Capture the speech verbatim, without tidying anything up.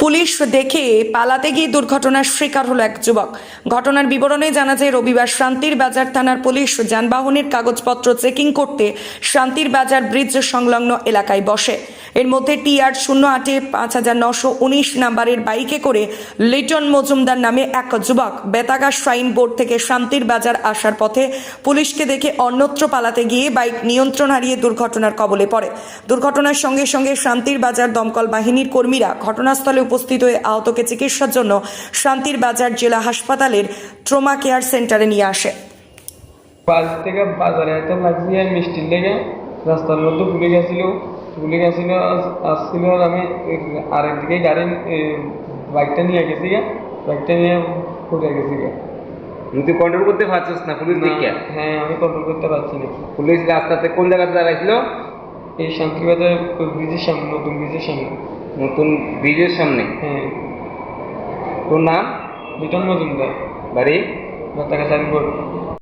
Police দেখে পালাতে গিয়ে দুর্ঘটনার শিকার হলো এক যুবক। ঘটনার বিবরণে জানা যায়, রবিবার শান্তির বাজার থানার পুলিশ যানবাহনের কাগজপত্র চেকিং করতে শান্তির বাজার ব্রিজ সংলগ্ন এলাকায় বসে। এর মধ্যে টি আর শূন্য আটে পাঁচ হাজার নশো উনিশ নাম্বারের বাইকে করে লিটন মজুমদার নামে এক যুবক বেতাগা শ্রাইন বোর্ড থেকে শান্তির বাজার আসার পথে পুলিশকে দেখে অন্যত্র পালাতে গিয়ে বাইক নিয়ন্ত্রণ হারিয়ে দুর্ঘটনার কবলে পড়ে। দুর্ঘটনার সঙ্গে সঙ্গে শান্তির বাজার দমকল বাহিনীর কর্মীরা ঘটনাস্থলে উপস্থিত হয়ে আহতকে চিকিৎসার জন্য শান্তির বাজার জেলা হাসপাতালের ট্রমা কেয়ার সেন্টারে নিয়ে আসে। বাস থেকে বাজারে এত লাগছি আর মিষ্টির লেগে রাস্তার মধ্যে ভুলে গেছিল ভুলে গেছিল আসছিল আর আমি আরেকদিকে গাড়ি বাইকটা নিয়ে গেছি গে বাইকটা নিয়ে পড়ে গেছি গে। তুই কন্ট্রোল করতে পারছিস না পুলিশ দেখে? হ্যাঁ, আমি কন্ট্রোল করতে পারছি না। পুলিশ রাস্তাতে কোন জায়গাতে দাঁড়াইছিল? এই শান্তিবাজার ব্রিজের সামনে, নতুন ব্রিজের সামনে। নতুন ব্রিজের সামনে? হ্যাঁ। তোর নাম? লিটন মজুমদার, বাড়ি? Betaga shrine board.